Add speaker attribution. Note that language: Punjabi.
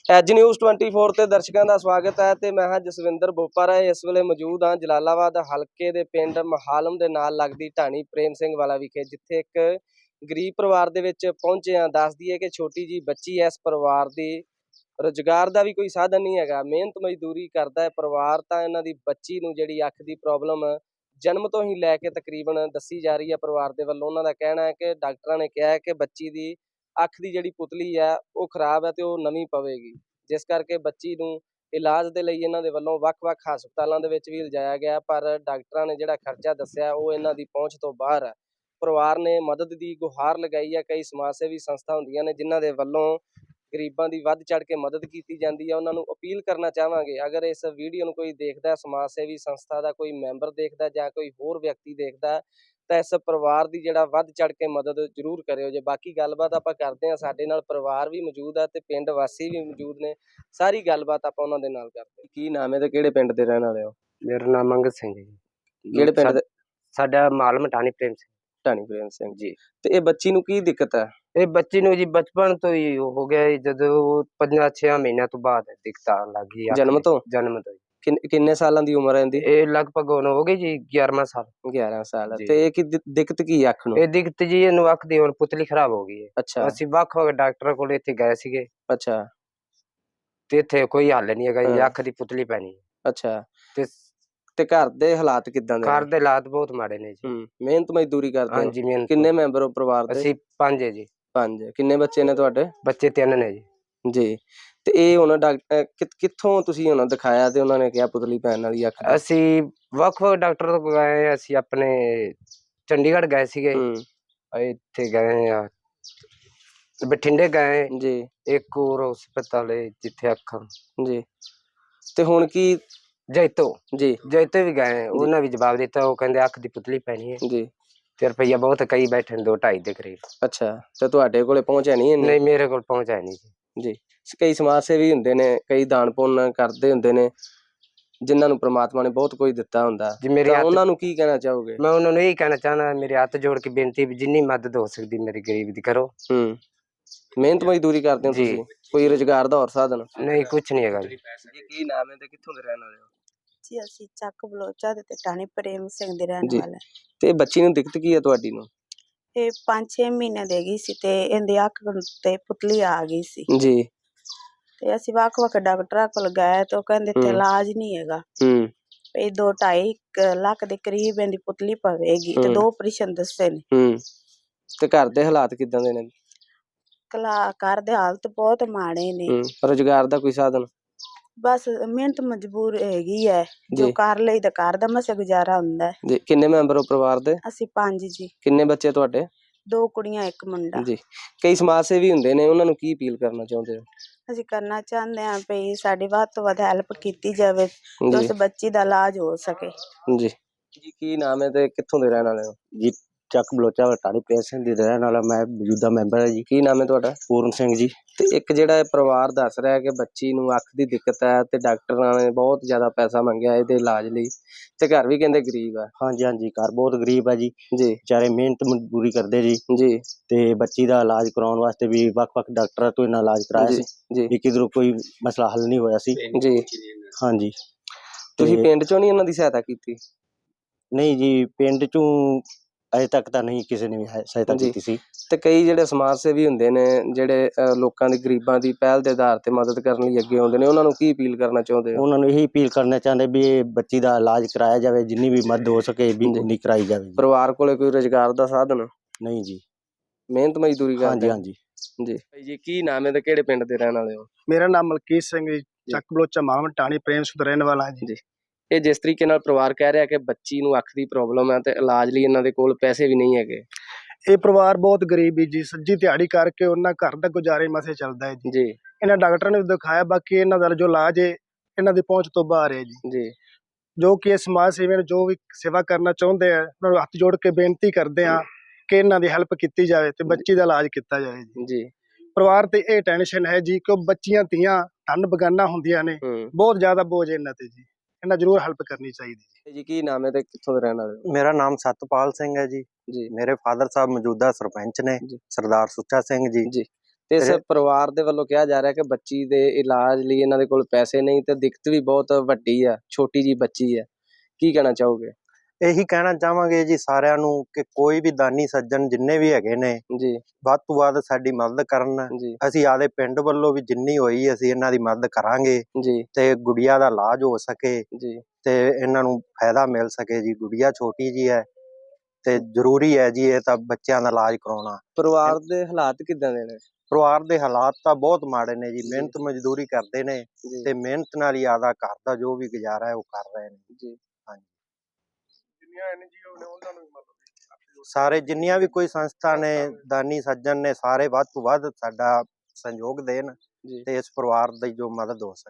Speaker 1: एज न्यूज़ 24 ਤੇ ਦਰਸ਼ਕਾਂ ਦਾ ਸਵਾਗਤ ਹੈ ਤੇ ਮੈਂ ਹਾਂ ਜਸਵਿੰਦਰ ਬੋਪਰ। ਇਸ ਵੇਲੇ ਮੌਜੂਦ ਹਾਂ ਜਲਾਲਾਬਾਦ ਹਲਕੇ ਦੇ ਪਿੰਡ ਮਹਾਲਮ ਦੇ ਨਾਲ ਲੱਗਦੀ ਢਾਣੀ ਪ੍ਰੇਮ ਸਿੰਘ ਵਾਲਾ ਵਿਖੇ, ਜਿੱਥੇ ਇੱਕ ਗਰੀਬ ਪਰਿਵਾਰ ਦੇ ਵਿੱਚ ਪਹੁੰਚੇ ਹਾਂ। ਦੱਸ ਦਈਏ ਕਿ ਛੋਟੀ ਜੀ ਬੱਚੀ ਹੈ ਇਸ ਪਰਿਵਾਰ ਦੀ, ਰੁਜ਼ਗਾਰ ਦਾ ਵੀ ਕੋਈ ਸਾਧਨ ਨਹੀਂ ਹੈਗਾ, ਮਿਹਨਤ ਮਜ਼ਦੂਰੀ ਕਰਦਾ ਹੈ ਪਰਿਵਾਰ। ਤਾਂ ਇਹਨਾਂ ਦੀ ਬੱਚੀ ਨੂੰ ਜਿਹੜੀ ਅੱਖ ਦੀ ਪ੍ਰੋਬਲਮ ਜਨਮ ਤੋਂ ਹੀ ਲੈ ਕੇ ਤਕਰੀਬਨ ਦੱਸੀ ਜਾ ਰਹੀ ਹੈ ਪਰਿਵਾਰ ਦੇ ਵੱਲੋਂ। ਉਹਨਾਂ ਦਾ ਕਹਿਣਾ ਹੈ ਕਿ ਡਾਕਟਰਾਂ ਨੇ ਕਿਹਾ ਹੈ ਕਿ ਬੱਚੀ ਦੀ ਅੱਖ ਦੀ ਜਿਹੜੀ ਪੁਤਲੀ ਹੈ ਉਹ ਖਰਾਬ ਹੈ ਤੇ ਉਹ ਨਵੀਂ ਪਵੇਗੀ, ਜਿਸ ਕਰਕੇ ਬੱਚੀ ਨੂੰ ਇਲਾਜ ਦੇ ਲਈ ਇਹਨਾਂ ਦੇ ਵੱਲੋਂ ਵੱਖ-ਵੱਖ ਹਸਪਤਾਲਾਂ ਦੇ ਵਿੱਚ ਵੀ ਲਿਜਾਇਆ ਗਿਆ, ਪਰ ਡਾਕਟਰਾਂ ਨੇ ਜਿਹੜਾ ਖਰਚਾ ਦੱਸਿਆ ਉਹ ਇਹਨਾਂ ਦੀ ਪਹੁੰਚ ਤੋਂ ਬਾਹਰ ਹੈ। ਪਰਿਵਾਰ ਨੇ ਮਦਦ ਦੀ ਗੁਹਾਰ ਲਗਾਈ ਹੈ। ਕਈ ਸਮਾਜ ਸੇਵੀ ਸੰਸਥਾ ਹੁੰਦੀਆਂ ਨੇ ਜਿਨ੍ਹਾਂ ਦੇ ਵੱਲੋਂ ਗਰੀਬਾਂ ਦੀ ਵੱਧ ਚੜ੍ਹ ਕੇ ਮਦਦ ਕੀਤੀ ਜਾਂਦੀ ਹੈ। ਉਹਨਾਂ ਨੂੰ ਅਪੀਲ ਕਰਨਾ ਚਾਹਾਂਗੇ, ਅਗਰ ਇਸ ਵੀਡੀਓ ਨੂੰ ਕੋਈ ਦੇਖਦਾ, ਸਮਾਜ ਸੇਵੀ ਸੰਸਥਾ ਦਾ ਕੋਈ ਮੈਂਬਰ ਦੇਖਦਾ ਜਾਂ ਕੋਈ ਹੋਰ ਵਿਅਕਤੀ ਦੇਖਦਾ, ਤਾਂ ਇਸ ਪਰਿਵਾਰ ਦੀ ਜਿਹੜਾ ਵੱਧ ਚੜ੍ਹ ਕੇ ਮਦਦ ਜ਼ਰੂਰ ਕਰਿਓ ਜੇ। ਬਾਕੀ ਗੱਲਬਾਤ ਆਪਾਂ ਕਰਦੇ ਹਾਂ, ਸਾਡੇ ਨਾਲ ਪਰਿਵਾਰ ਵੀ ਮੌਜੂਦ ਹੈ ਤੇ ਪਿੰਡ ਵਾਸੀ ਵੀ ਮੌਜੂਦ ਨੇ, ਸਾਰੀ ਗੱਲਬਾਤ ਆਪਾਂ ਉਹਨਾਂ ਦੇ ਨਾਲ ਕਰਦੇ। ਕੀ ਨਾਮ ਹੈ ਤੇ ਕਿਹੜੇ ਪਿੰਡ ਦੇ ਰਹਿਣ ਵਾਲੇ ਹੋ?
Speaker 2: ਮੇਰਾ ਨਾਮ ਮੰਗਤ ਸਿੰਘ ਜੀ।
Speaker 1: ਕਿਹੜੇ ਪਿੰਡ ਦੇ?
Speaker 2: ਸਾਡਾ ਮਾਲਮ ਢਾਣੀ ਪ੍ਰੇਮ ਸਿੰਘ।
Speaker 1: ਢਾਣੀ ਪ੍ਰੇਮ ਸਿੰਘ ਜੀ। ਤੇ ਇਹ ਬੱਚੀ ਨੂੰ ਕੀ ਦਿੱਕਤ ਹੈ?
Speaker 2: ਇਹ ਬੱਚੀ ਨੂੰ ਜੀ ਬਚਪਨ ਤੋਂ ਹੀ ਹੋ ਗਿਆ, ਜਦੋਂ 5-6 ਮਹੀਨਿਆਂ ਤੋਂ ਬਾਅਦ ਦਿੱਕਤ ਆਉਣ ਲੱਗ ਗਈ।
Speaker 1: ਜਨਮ ਤੋਂ?
Speaker 2: ਜਨਮ ਤੋਂ।
Speaker 1: ਕਿੰਨੇ ਸਾਲਾਂ ਦੀ ਉਮਰ ਹੈ ਇਹਦੀ?
Speaker 2: ਇਹ ਲਗਭਗ ਹੁਣ ਹੋ ਗਈ ਜੀ 11ਵਾਂ ਸਾਲ।
Speaker 1: 11 ਸਾਲ। ਤੇ ਇਹ ਕੀ ਦਿੱਕਤ ਕੀ ਹੈ ਅੱਖ ਨੂੰ?
Speaker 2: ਇਹ ਦਿੱਕਤ ਜੀ ਇਹਨੂੰ ਅੱਖ ਦੀ ਹੁਣ ਪੁਤਲੀ ਖਰਾਬ ਹੋ ਗਈ ਹੈ।
Speaker 1: ਅੱਛਾ।
Speaker 2: ਅਸੀਂ ਵੱਖ-ਵੱਖ ਡਾਕਟਰਾਂ ਕੋਲ ਇੱਥੇ ਗਏ ਸੀਗੇ।
Speaker 1: ਅੱਛਾ।
Speaker 2: ਤੇ ਇੱਥੇ ਕੋਈ ਹੱਲ ਨਹੀਂ ਹੈਗਾ ਜੀ, ਅੱਖ ਦੀ ਪੁਤਲੀ ਪੈਣੀ।
Speaker 1: ਅੱਛਾ। ਤੇ ਘਰ ਦੇ ਹਾਲਾਤ ਕਿੱਦਾਂ ਦੇ?
Speaker 2: ਘਰ ਦੇ ਹਾਲਾਤ ਬਹੁਤ ਮਾੜੇ ਨੇ ਜੀ।
Speaker 1: ਮਿਹਨਤ ਮਜ਼ਦੂਰੀ ਕਰਦੇ?
Speaker 2: ਹਾਂਜੀ ਮਿਹਨਤ।
Speaker 1: ਕਿੰਨੇ ਮੈਂਬਰ ਹੋ ਪਰਿਵਾਰ ਦੇ?
Speaker 2: ਅਸੀਂ 5 ਹੈ ਜੀ।
Speaker 1: 5। ਕਿੰਨੇ ਬੱਚੇ ਨੇ ਤੁਹਾਡੇ?
Speaker 2: ਬੱਚੇ 3 ਨੇ ਜੀ।
Speaker 1: ਜੀ। ਤੇ ਇਹ ਹੁਣ ਡਾਕਟਰ ਕਿੱਥੋਂ ਤੁਸੀਂ ਉਹਨਾਂ ਦਿਖਾਇਆ ਤੇ ਉਹਨਾਂ ਨੇ ਕਿਹਾ ਪੁਤਲੀ ਪੈਣ ਵਾਲੀ ਅੱਖ?
Speaker 2: ਅਸੀਂ ਵੱਖ-ਵੱਖ ਡਾਕਟਰ ਕੋਲ ਗਏ, ਅਸੀਂ ਆਪਣੇ ਚੰਡੀਗੜ੍ਹ ਗਏ ਸੀਗੇ, ਇੱਥੇ ਗਏ ਆ, ਬਠਿੰਡੇ ਗਏ
Speaker 1: ਜੀ,
Speaker 2: ਇੱਕ ਹੋਰ ਹਸਪਤਾਲ ਹੈ ਜਿੱਥੇ ਅੱਖਾਂ
Speaker 1: ਜੀ। ਤੇ ਹੁਣ ਕੀ?
Speaker 2: ਜੈਤੋ
Speaker 1: ਜੀ,
Speaker 2: ਜੈਤੋ ਵੀ ਗਏ, ਉਹਨਾਂ ਵੀ ਜਵਾਬ ਦਿੱਤਾ, ਉਹ ਕਹਿੰਦੇ ਅੱਖ ਦੀ ਪੁਤਲੀ ਪੈਣੀ ਹੈ
Speaker 1: ਜੀ।
Speaker 2: ਤੇ ਰੁਪਈਆ ਬਹੁਤ ਕਈ ਬੈਠੇ ਨੇ, 2-2.5 ਦੇ ਕਰੀਬ।
Speaker 1: ਅੱਛਾ। ਤੇ ਤੁਹਾਡੇ ਕੋਲੇ ਪਹੁੰਚਿਆ ਨਹੀਂ?
Speaker 2: ਨਹੀਂ, ਮੇਰੇ ਕੋਲ ਪਹੁੰਚਿਆ ਨਹੀਂ ਜੀ।
Speaker 1: ਜੀ। ਕਈ ਸਮਾਜ ਸੇਵੀ ਹੁੰਦੇ ਨੇ, ਕਈ ਦਾਨ ਪੁੰਨ ਕਰਦੇ ਹੁੰਦੇ ਨੇ, ਜਿਨ੍ਹਾਂ ਨੂੰ ਪ੍ਰਮਾਤਮਾ ਨੇ ਬਹੁਤ ਕੁਝ ਦਿੱਤਾ ਹੁੰਦਾ, ਤਾਂ ਉਹਨਾਂ ਨੂੰ ਕੀ ਕਹਿਣਾ ਚਾਹੋਗੇ?
Speaker 2: ਮੈਂ ਉਹਨਾਂ ਨੂੰ ਇਹੀ ਕਹਿਣਾ ਚਾਹੁੰਦਾ, ਮੇਰੇ ਹੱਥ ਜੋੜ ਕੇ ਬੇਨਤੀ ਵੀ ਜਿੰਨੀ ਮਦਦ ਹੋ ਸਕਦੀ ਮੇਰੀ ਗਰੀਬ ਦੀ ਕਰੋ।
Speaker 1: ਮਿਹਨਤ ਮਜ਼ਦੂਰੀ ਕਰਦੇ ਹੋ ਤੁਸੀਂ? ਕੋਈ ਰੁਜ਼ਗਾਰ ਦਾ ਹੋਰ ਸਾਧਨ?
Speaker 2: ਨਹੀਂ, ਕੁਛ ਨਹੀਂ ਹੈਗਾ ਜੀ।
Speaker 1: ਕੀ ਨਾਮ ਹੈ ਤੇ ਕਿੱਥੋਂ ਦੇ ਰਹਿਣ ਵਾਲੇ ਹੋ?
Speaker 3: ਜੀ ਅਸੀਂ ਚੱਕ ਬਲੋਚਾ ਦੇ ਤੇ ਢਾਣੀ ਪ੍ਰੇਮ ਸਿੰਘ ਦੇ ਰਹਿਣ ਵਾਲੇ।
Speaker 1: ਤੇ ਬੱਚੀ ਨੂੰ ਦਿੱਕਤ ਕੀ ਹੈ ਤੁਹਾਡੀ ਨੂੰ?
Speaker 3: ਇਹ 5-6 ਮਹੀਨੇ ਦੇ ਗਈ ਸੀ ਤੇ ਇਹਦੀ ਅੱਖ ਤੇ ਪੁਤਲੀ ਆ ਗਈ ਸੀ
Speaker 1: ਜੀ।
Speaker 3: ਤੇ ਅਸੀਂ ਵੱਖ-ਵੱਖ ਡਾਕਟਰਾਂ ਕੋਲ ਗਏ ਤੇ ਉਹ ਕਹਿੰਦੇ ਤੇ ਇਲਾਜ ਨਹੀਂ ਹੈਗਾ। ਇਹ 2-2.5 ਲੱਖ ਦੇ ਕਰੀਬ ਇਹਦੀ ਪੁਤਲੀ ਪਵੇਗੀ ਤੇ 2 ਆਪਰੇਸ਼ਨ ਦੱਸੇ ਨੇ।
Speaker 1: ਤੇ ਘਰ ਦੇ ਹਾਲਾਤ ਕਿਦਾਂ ਦੇ ਨੇ?
Speaker 3: ਘਰ ਦੇ ਹਾਲਤ ਬਹੁਤ ਮਾੜੇ ਨੇ।
Speaker 1: ਰੁਜ਼ਗਾਰ ਦਾ ਕੋਈ ਸਾਧਨ?
Speaker 3: ਬਸ ਮਿਹਨਤ ਮਜਬੂਰ ਹੈਗੀ ਹੈ, ਜੋ ਕਰ ਲਈ ਤਾਂ ਘਰ ਦਾ ਮਸੇ ਗੁਜ਼ਾਰਾ ਹੁੰਦਾ ਹੈ।
Speaker 1: ਜੀ। ਕਿੰਨੇ ਮੈਂਬਰ ਹੋ ਪਰਿਵਾਰ ਦੇ?
Speaker 3: ਅਸੀਂ 5 ਜੀ।
Speaker 1: ਕਿੰਨੇ ਬੱਚੇ ਤੁਹਾਡੇ?
Speaker 3: 2 ਕੁੜੀਆਂ 1 ਮੁੰਡਾ।
Speaker 1: ਜੀ। ਕਈ ਸਮਾਜ ਸੇਵੀ ਹੁੰਦੇ ਨੇ, ਉਹਨਾਂ ਨੂੰ ਕੀ ਅਪੀਲ ਕਰਨਾ ਚਾਹੁੰਦੇ ਹੋ?
Speaker 3: ਅਸੀਂ ਕਰਨਾ ਚਾਹੁੰਦੇ ਹਾਂ ਵੀ ਸਾਡੀ ਵੱਧ ਤੋਂ ਵੱਧ ਹੈਲਪ ਕੀਤੀ ਜਾਵੇ ਤੇ ਉਸ ਬੱਚੀ ਦਾ ਇਲਾਜ ਹੋ ਸਕੇ।
Speaker 1: ਜੀ। ਜੀ। ਕੀ ਨਾਮ ਹੈ ਤੇ ਕਿੱਥੋਂ ਦੇ ਰਹਿਣ ਵਾਲੇ ਹੋ?
Speaker 2: ਜੀ ਚੱਕ ਬਲੋਚਾ ਢਾਣੀ ਪ੍ਰੇਮ ਸਿੰਘ ਦੀ ਰਹਿਣ ਵਾਲਾ ਮੈਂ, ਮੌਜੂਦਾ ਮੈਂਬਰ ਹੈ ਜੀ।
Speaker 1: ਕੀ ਨਾਮ ਹੈ ਤੁਹਾਡਾ?
Speaker 2: ਪੂਰਨ ਸਿੰਘ ਜੀ।
Speaker 1: ਤੇ ਇੱਕ ਜਿਹੜਾ ਇਹ ਪਰਿਵਾਰ ਦੱਸ ਰਿਹਾ ਕਿ ਬੱਚੀ ਨੂੰ ਅੱਖ ਦੀ ਦਿੱਕਤ ਹੈ ਤੇ ਡਾਕਟਰਾਂ ਨੇ ਬਹੁਤ ਜ਼ਿਆਦਾ ਪੈਸਾ ਮੰਗਿਆ ਇਹਦੇ ਇਲਾਜ ਲਈ, ਤੇ ਘਰ ਵੀ ਕਹਿੰਦੇ ਗਰੀਬ ਹੈ।
Speaker 2: ਹਾਂਜੀ ਹਾਂਜੀ, ਘਰ ਬਹੁਤ ਗਰੀਬ ਹੈ ਜੀ।
Speaker 1: ਜੀ।
Speaker 2: ਵਿਚਾਰੇ ਮਿਹਨਤ ਮਜ਼ਦੂਰੀ ਕਰਦੇ ਜੀ।
Speaker 1: ਜੀ।
Speaker 2: ਤੇ ਬੱਚੀ ਦਾ ਇਲਾਜ ਕਰਾਉਣ ਵਾਸਤੇ ਵੀ ਵੱਖ-ਵੱਖ ਡਾਕਟਰਾਂ ਤੋਂ ਇਹਨਾਂ ਇਲਾਜ ਕਰਾਇਆ ਸੀ ਵੀ ਕਿਧਰੋਂ ਕੋਈ ਮਸਲਾ ਹੱਲ ਨਹੀਂ ਹੋਇਆ ਸੀ।
Speaker 1: ਜੀ।
Speaker 2: ਹਾਂਜੀ।
Speaker 1: ਤੁਸੀਂ ਪਿੰਡ ਚੋਂ ਨਹੀਂ ਇਹਨਾਂ ਦੀ ਸਹਾਇਤਾ ਕੀਤੀ?
Speaker 2: ਨਹੀਂ ਜੀ, ਪਿੰਡ ਚੋਂ ਅਜੇ ਤੱਕ ਤਾਂ ਨਹੀਂ ਕਿਸੇ ਨੇ ਵੀ ਸਹਾਇਤਾ ਕੀਤੀ ਸੀ।
Speaker 1: ਤੇ ਕਈ ਜਿਹੜੇ ਸਮਾਜ ਸੇਵੀ ਹੁੰਦੇ ਨੇ, ਜਿਹੜੇ ਲੋਕਾਂ ਦੀ ਗਰੀਬਾਂ ਦੀ ਪਹਿਲ ਦੇ ਆਧਾਰ ਤੇ ਮਦਦ ਕਰਨ ਲਈ ਅੱਗੇ ਆਉਂਦੇ ਨੇ, ਉਹਨਾਂ ਨੂੰ ਕੀ ਅਪੀਲ ਕਰਨਾ ਚਾਹੁੰਦੇ ਹੋ?
Speaker 2: ਉਹਨਾਂ ਨੂੰ ਇਹੀ ਅਪੀਲ ਕਰਨਾ ਚਾਹੁੰਦੇ ਵੀ ਇਹ ਬੱਚੀ ਦਾ ਇਲਾਜ ਕਰਾਇਆ ਜਾਵੇ, ਜਿੰਨੀ ਵੀ ਮਦਦ ਹੋ ਸਕੇ ਵੀ ਉਨੀ ਕਰਾਈ ਜਾਵੇ।
Speaker 1: ਪਰਿਵਾਰ ਕੋਲੇ ਕੋਈ ਰੁਜ਼ਗਾਰ ਦਾ ਸਾਧਨ?
Speaker 2: ਨਹੀਂ ਜੀ।
Speaker 1: ਮਿਹਨਤ ਮਜ਼ਦੂਰੀ ਕਰਦੇ?
Speaker 2: ਹਾਂਜੀ ਹਾਂਜੀ।
Speaker 1: ਜੀ। ਜੀ। ਕੀ ਨਾਮ ਹੈ ਤੇ ਕਿਹੜੇ ਪਿੰਡ ਦੇ ਰਹਿਣ ਵਾਲੇ ਹੋ?
Speaker 4: ਮੇਰਾ ਨਾਮ ਮਲਕੀਤ ਸਿੰਘ ਜੀ, ਚੱਕ ਬਲੋਚਾ ਮਾਲਮ ਢਾਣੀ ਪ੍ਰੇਮ ਸਿੰਘ ਦਾ ਰਹਿਣ ਵਾਲਾ ਜੀ।
Speaker 1: ਇਹ ਜਿਸ ਤਰੀਕੇ ਨਾਲ ਪਰਿਵਾਰ ਕਹਿ ਰਿਹਾ ਕਿ ਬੱਚੀ ਨੂੰ ਅੱਖ ਦੀ ਪ੍ਰੋਬਲਮ ਹੈ ਤੇ ਇਲਾਜ ਲਈ ਇਹਨਾਂ ਦੇ ਕੋਲ ਪੈਸੇ ਵੀ ਨਹੀਂ ਹੈਗੇ,
Speaker 4: ਇਹ ਪਰਿਵਾਰ ਬਹੁਤ ਗਰੀਬ ਹੈ ਜੀ, ਸੱਜੀ ਦਿਹਾੜੀ ਕਰਕੇ ਉਹਨਾਂ ਘਰ ਦਾ ਗੁਜ਼ਾਰੇ ਮਸੇ ਚੱਲਦਾ ਹੈ ਜੀ। ਇਹਨਾਂ ਡਾਕਟਰਾਂ ਨੇ ਦਿਖਾਇਆ, ਬਾਕੀ ਇਹਨਾਂ ਦਾ ਜੋ ਇਲਾਜ ਹੈ ਇਹਨਾਂ ਦੀ ਪਹੁੰਚ ਤੋਂ ਬਾਹਰ ਹੈ ਜੀ। ਜੋ ਕਿ ਇਹ ਸਮਾਜ ਸੇਵੀਆਂ ਨੂੰ ਜੋ ਵੀ ਸੇਵਾ ਕਰਨਾ ਚਾਹੁੰਦੇ ਆ, ਉਹਨਾਂ ਨੂੰ ਹੱਥ ਜੋੜ ਕੇ ਬੇਨਤੀ ਕਰਦੇ ਆ ਕਿ ਇਹਨਾਂ ਦੀ ਹੈਲਪ ਕੀਤੀ ਜਾਵੇ ਤੇ ਬੱਚੀ ਦਾ ਇਲਾਜ ਕੀਤਾ ਜਾਵੇ ਜੀ। ਪਰਿਵਾਰ ਤੇ ਇਹ ਟੈਨਸ਼ਨ ਹੈ ਜੀ ਕਿ ਬੱਚੀਆਂ ਧੀਆਂ ਧਨ ਬਗਾਨਾ ਹੁੰਦੀਆਂ ਨੇ, ਬਹੁਤ ਜ਼ਿਆਦਾ ਬੋਝ ਇਹਨਾਂ ਤੇ ਜੀ, ਇਹਨਾਂ ਜ਼ਰੂਰ ਹੈਲਪ ਕਰਨੀ ਚਾਹੀਦੀ
Speaker 1: ਜੀ। ਕੀ ਨਾਮ ਹੈ ਤੇ ਕਿੱਥੋਂ ਦੇ ਰਹਿਣ ਵਾਲੇ ਹੋ?
Speaker 2: ਮੇਰਾ ਨਾਮ ਸਤਪਾਲ ਸਿੰਘ ਹੈ ਜੀ। ਮੇਰੇ ਫਾਦਰ ਸਾਹਿਬ ਮੌਜੂਦਾ ਸਰਪੰਚ ਨੇ, ਸਰਦਾਰ ਸੁੱਚਾ ਸਿੰਘ ਜੀ।
Speaker 1: ਤੇ ਇਸ ਪਰਿਵਾਰ ਦੇ ਵੱਲੋਂ ਕਿਹਾ ਜਾ ਰਿਹਾ ਕਿ ਬੱਚੀ ਦੇ ਇਲਾਜ ਲਈ ਇਹਨਾਂ ਦੇ ਕੋਲ ਪੈਸੇ ਨਹੀਂ ਤੇ ਦਿੱਕਤ ਵੀ ਬਹੁਤ ਵੱਡੀ ਆ, ਛੋਟੀ ਜੀ ਬੱਚੀ ਹੈ, ਕੀ ਕਹਿਣਾ ਚਾਹੋਗੇ?
Speaker 5: ਇਹੀ ਕਹਿਣਾ ਚਾਹਾਂਗੇ ਜੀ ਸਾਰਿਆਂ ਨੂੰ ਕਿ ਕੋਈ ਵੀ ਦਾਨੀ ਸੱਜਣ ਜਿੰਨੇ ਵੀ ਹੈਗੇ ਨੇ
Speaker 1: ਜੀ
Speaker 5: ਵੱਧ ਤੋਂ ਵੱਧ ਸਾਡੀ ਮਦਦ ਕਰਨ।
Speaker 1: ਜੀ
Speaker 5: ਅਸੀਂ ਆਦੇ ਪਿੰਡ ਵੱਲੋਂ ਵੀ ਜਿੰਨੀ ਹੋਈ ਅਸੀਂ ਇਹਨਾਂ ਦੀ ਮਦਦ ਕਰਾਂਗੇ
Speaker 1: ਜੀ
Speaker 5: ਤੇ ਗੁੜੀਆ ਦਾ ਇਲਾਜ ਹੋ ਸਕੇ
Speaker 1: ਜੀ
Speaker 5: ਤੇ ਇਹਨਾਂ ਨੂੰ ਫਾਇਦਾ ਮਿਲ ਸਕੇ ਜੀ। ਗੁੜੀਆ ਛੋਟੀ ਜੀ ਹੈ ਤੇ ਜ਼ਰੂਰੀ ਹੈ ਜੀ ਇਹ ਤਾਂ ਬੱਚਿਆਂ ਦਾ ਇਲਾਜ ਕਰਾਉਣਾ।
Speaker 1: ਪਰਿਵਾਰ ਦੇ ਹਾਲਾਤ ਕਿੱਦਾਂ ਦੇ ਨੇ?
Speaker 5: ਪਰਿਵਾਰ ਦੇ ਹਾਲਾਤ ਤਾਂ ਬਹੁਤ ਮਾੜੇ ਨੇ ਜੀ, ਮਿਹਨਤ ਮਜ਼ਦੂਰੀ ਕਰਦੇ ਨੇ ਤੇ ਮਿਹਨਤ ਨਾਲ ਹੀ ਆਦਾ ਘਰ ਦਾ ਜੋ ਵੀ ਗੁਜ਼ਾਰਾ ਹੈ ਉਹ ਕਰ ਰਹੇ ਨੇ
Speaker 1: ਜੀ।
Speaker 5: ਹਾਂਜੀ,
Speaker 4: ਜਿੰਨੀਆਂ NGO ਨੇ ਉਹਨਾਂ ਨੂੰ ਵੀ ਮਤਲਬ
Speaker 5: ਸਾਰੇ ਜਿੰਨੀਆਂ ਵੀ ਕੋਈ ਸੰਸਥਾ ਨੇ ਦਾਨੀ ਸੱਜਣ ਨੇ ਸਾਰੇ ਵੱਧ ਤੋਂ ਵੱਧ ਸਾਡਾ ਸਹਿਯੋਗ ਦੇਣ
Speaker 1: ਜੀ
Speaker 5: ਤੇ ਇਸ ਪਰਿਵਾਰ ਦੀ ਜੋ ਮਦਦ ਹੋ ਸਕੇ।